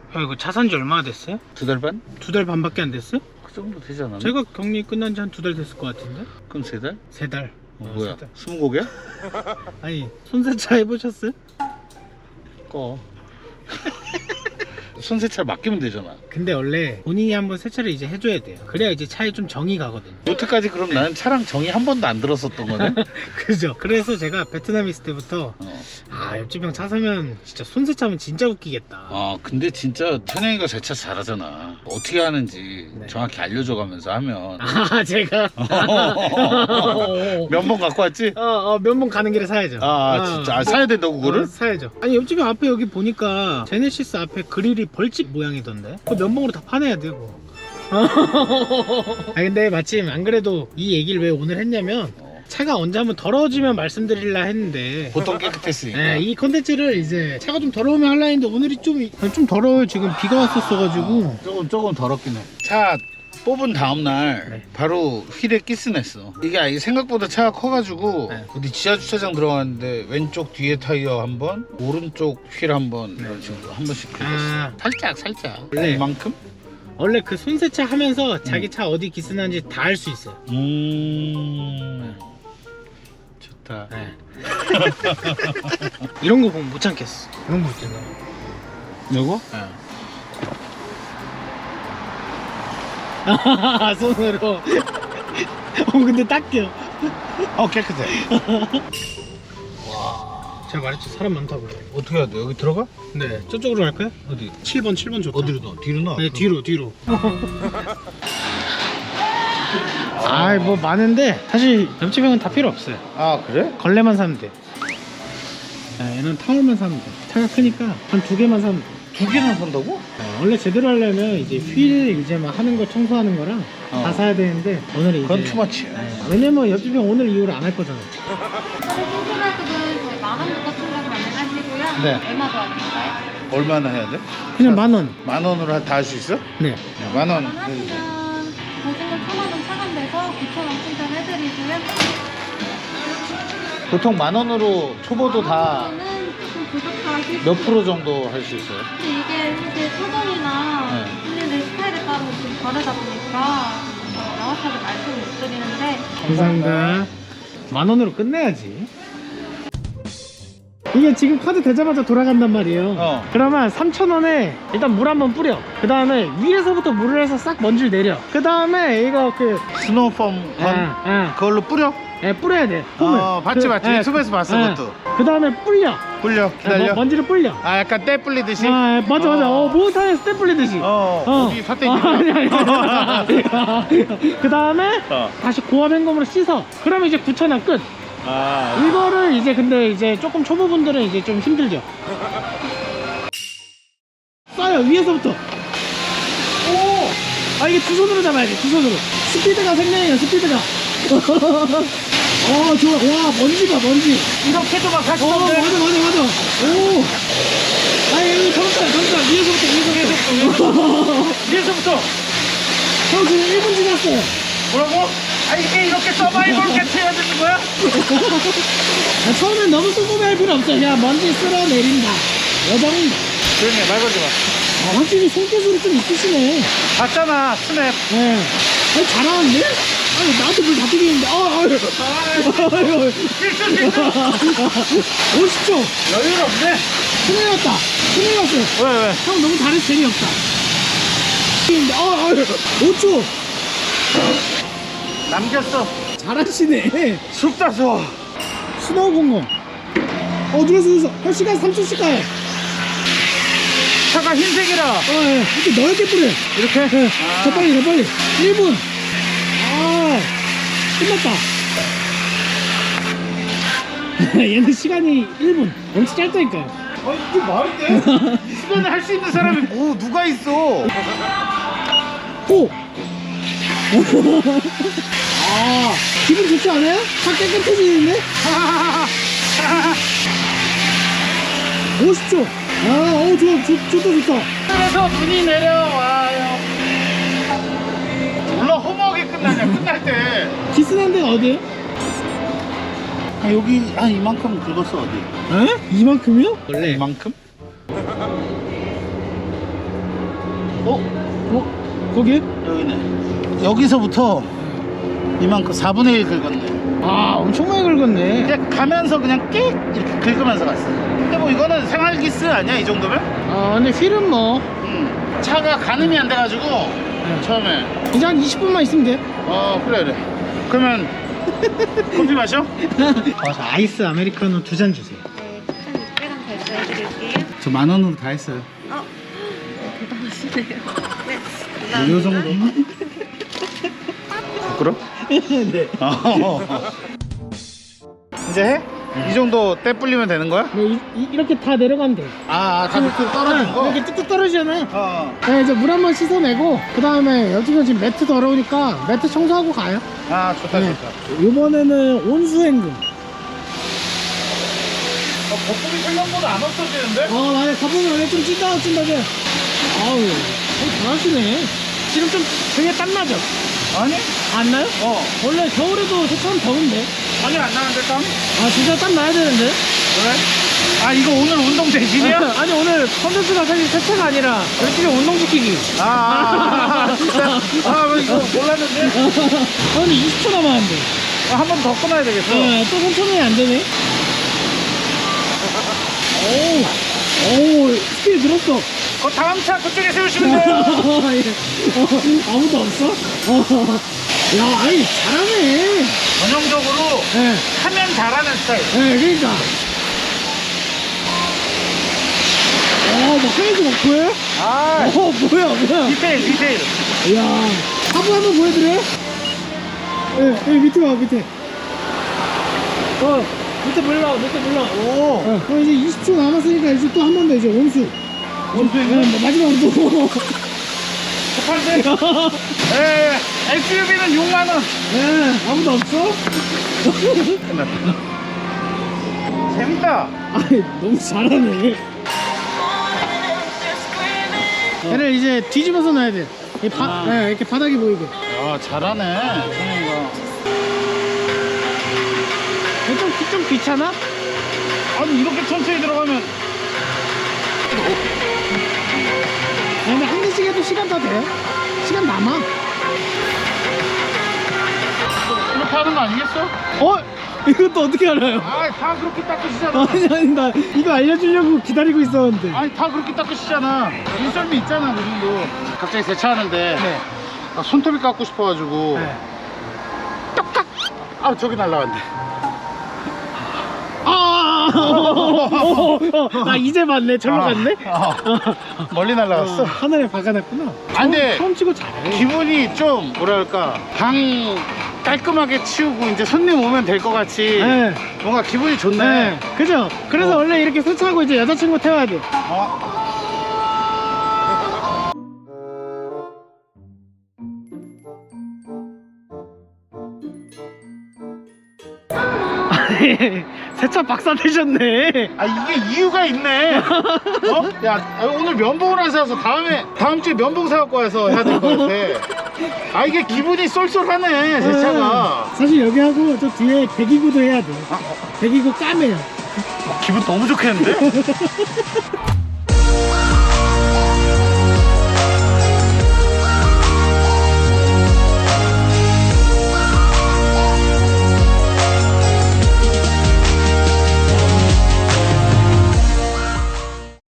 형 이거 차 산 지 얼마나 됐어요? 2달 반? 2달 반밖에 안 됐어요? 그 정도 되지 않았나? 제가 격리 끝난 지 한 2달 됐을 것 같은데? 그럼 3달? 3달. 뭐야? 3달. 스무고개야? 아니 손세차 해보셨어요? 꺼. 손세차 맡기면 되잖아. 근데 원래 본인이 한번 세차를 이제 해줘야 돼요. 그래야 이제 차에 좀 정이 가거든요. 여태까지 그럼 나는 차랑 정이 한 번도 안 들었었던 거네? 그죠? 그래서 제가 베트남에 있을 때부터 아 옆집 형 차 사면 진짜 손세차하면 진짜 웃기겠다. 아 근데 진짜 천영이가 세차 잘하잖아. 어떻게 하는지 네. 정확히 알려줘가면서 하면 아 제가 몇 번 갖고 왔지? 면봉 가는 길에 사야죠. 진짜 아, 사야 된다고 그거를? 사야죠. 아니 옆집에 앞에 여기 보니까 제네시스 앞에 그릴이 벌집 모양이던데 그 면봉으로 다 파내야 되고. 아 근데 마침 안 그래도 이 얘기를 왜 오늘 했냐면 차가 언제 한번 더러워지면 말씀드리려 했는데 보통 깨끗했으니까. 네, 이 컨텐츠를 이제 차가 좀 더러우면 하려 했는데 오늘이 좀 더러워요. 지금 비가 왔었어가지고. 조금 더럽긴 해. 차 뽑은 다음날 네. 바로 휠에 키스 냈어. 이게 생각보다 차가 커가지고 네. 어디 지하주차장 들어갔는데 왼쪽 뒤에 타이어 한 번, 오른쪽 휠 한 번 이런 식으로 한 번씩 긁었어. 아. 살짝. 원래. 이만큼? 원래 그 손세차 하면서 자기 차 어디 기스난지 다 알 수 있어요. 좋다. 네. 이런 거 보면 못 참겠어. 이런 거 있잖아. 요거? 손으로. 근데 닦여. 깨끗해. 제가 말했죠. 사람 많다고. 어떻게 해야 돼? 여기 들어가? 네. 저쪽으로 갈까요? 어디? 7번 좋다. 어디로 넣어? 뒤로 넣어? 네, 뒤로. 아이, 뭐 많은데 사실 옆집 형은 다 필요 없어요. 아 그래? 걸레만 사면 돼. 네, 얘는 타월만 사면 돼. 차가 크니까 한 2개만 사면 돼. 2개나 산다고? 원래 제대로 하려면 이제 휠 이제 막 하는 거 청소하는 거랑 다 사야 되는데 오늘 이제 그건 투머치. 왜냐면 옆집 형 오늘 이후로 안 할 거잖아요. 청소할때는 저희 10,000원부터 충전 가능하시고요. 네. 얼마 더 하실까요? 얼마나 해야 돼? 그냥 10,000원. 10,000원으로 다 할 수 있어? 네. 10,000원. 하시면 보증금 1,000원 차감돼서 9,000원 충전해드리고요. 보통 10,000원으로 초보도 다 몇 는 조금 부족하실 프로 정도 할 수 있어요? 근데 이게 사실 소정이나 분리는 스타일에 따라 좀 다르다 보니까 명확하게 말씀을 못 드리는데 감사합니다. 10,000원으로 끝내야지. 이게 지금 카드 되자마자 돌아간단 말이에요. 그러면 3,000원에 일단 물 한번 뿌려. 그 다음에 위에서부터 물을 해서 싹 먼지를 내려. 그 다음에 이거 스노우폼 그걸로 뿌려? 네, 뿌려야 돼. 폼을. 봤지 유튜브에서 봤어 그것도. 그 다음에 뿌려. 기다려. 먼지를 뿌려. 아 약간 때 뿌리듯이? 맞아. 모터에서 때 뿌리듯이. 어디 삿대기. 그 다음에 다시 고압 헹굼으로 씻어. 그러면 이제 9,000원 끝. 이거를 이제 근데 이제 조금 초보분들은 이제 좀 힘들죠. 쏴요 위에서부터. 오! 이게 두 손으로 잡아야지. 두 손으로. 스피드가 생명이에요. 스피드가. 좋아. 와 먼지 봐 먼지. 이렇게도 막 같이 맞아. 오. 여기 잠깐 위에서부터. 형 지금 1분 지났어요. 뭐라고? 이게 이렇게 서바이벌 캐치 해야 되는 거야? 처음엔 너무 꼼꼼할 필요 없어. 그냥 먼지 쓸어내린다. 여정인다. 조용히 해, 말 걸지 마. 확실히 손기술이 좀 있으시네. 봤잖아, 스냅. 네. 잘하는데? 나한테 물 다 튀기는데. 50초. 여유는 없네. 큰일 났어. 왜? 형 너무 잘해서 재미없다. 5초. 남겼어. 잘하시네. 춥다, 서. 스노우 공공. 눌렀어. 형 시간 3초씩 가요. 차가 흰색이라. 이렇게 넓게 뿌려. 이렇게? 더 빨리. 1분. 끝났다. 얘는 시간이 1분. 엄청 짧다니까요. 이게 말이 돼? 이 시간에 할 수 있는 사람이 누가 있어? 오! 기분 좋지 않아요? 차 깨끗해지는데? 50초. 좋다. 그래서 눈이 내려와요. 물론 홈워크가 끝날 때. 기스난 데가 어디에요? 여기 한 이만큼 긁었어 어디? 에? 이만큼이요? 원래 이만큼? 거기? 여기네. 여기서부터 이만큼 4분의 1 긁었네. 아 엄청 많이 긁었네. 그냥 가면서 그냥 끽 이렇게 긁으면서 갔어. 근데 뭐 이거는 생활기스 아니야 이 정도면? 근데 휠은 뭐 차가 가늠이 안 돼가지고 처음에 이제 한 20분만 있으면 돼. 그래. 그러면 커피 마셔? 저 아이스 아메리카노 2잔 주세요. 네, 9,600원 결제해드릴게요. 저 10,000원으로 다 했어요. 대단하시네요. 네, 뭐 요 정도? 부끄러? 네. 이제 해? 이 정도 때 불리면 되는 거야? 이렇게 다 내려가면 돼. 다 밑으로 떨어진 거? 이렇게 뚝뚝 떨어지잖아요. 어. 이제 물 한번 씻어내고 그 다음에 여기가 지금 매트 더러우니까 매트 청소하고 가요. 좋다. 이번에는 온수행금. 거품이 생각보다 안 없어지는데? 맞아. 가보면 원래 좀 찐다게. 아우, 잘하시네. 지금 좀 등에 땀 나죠? 아니? 안 나요? 원래 겨울에도 세차하면 더운데. 아니 안 나는데 땀? 진짜 땀 나야 되는데. 왜? 이거 오늘 운동 대신이야? 아니 오늘 컨텐츠가 사실 세차가 아니라 열심히 운동시키기. 진짜? 이거 몰랐는데? 근데 20초 남았는데. 한 번 더 끊어야 되겠어. 또 천천히 안 되네. 오, 스피드 늘었어. 다음 차 그쪽에 세우시면 돼요. 아무도 없어? 야, 아니, 잘하네. 전형적으로 네, 하면 잘하는 스타일. 그러니까. 막 하면서 막 보여? 뭐야. 디테일. 이야, 하부 한번 보여드려요? 밑에 봐, 밑에. 밑에 몰라. 그럼 이제 20초 남았으니까 이제 또 한 번 더 이제 온수. 마지막으로 또. 급한데? SUV는 6만원. 아무도 없어? 끝났다. 재밌다. 너무 잘하네. 얘를 이제 뒤집어서 놔야 돼. 이렇게 바닥이 보이게. 잘하네. 성현이가. 좀 귀찮아? 아니 이렇게 천천히 들어가면 근데 한 대씩 해도 시간 다 돼요? 시간 남아. 이렇게 하는 거 아니겠어? 이것도 어떻게 알아요? 다 그렇게 닦으시잖아. 아니, 나 이거 알려주려고 기다리고 있었는데. 다 그렇게 닦으시잖아. 인썰미 있잖아 그 정도. 갑자기 세차하는데 손톱이 깎고 싶어가지고 똑딱 저기 날라갔네. 나 이제 봤네. 절로 갔네. 멀리 날라갔어. 하늘에 박아놨구나. 근데 처음 치고 잘해. 기분이 좀 뭐랄까 방 깔끔하게 치우고 이제 손님 오면 될 것 같이 뭔가 기분이 좋네. 그죠? 그래서 원래 이렇게 세차하고 이제 여자친구 태워야 돼. 세차 박사 되셨네. 이게 이유가 있네. 야 오늘 면봉을 안 사서 다음 주에 면봉 사갖고 와서 해야 될 것 같아. 이게 기분이 쏠쏠하네 세차가. 사실 여기 하고 저 뒤에 배기구도 해야 돼. 배기구 까매요. 기분 너무 좋겠는데?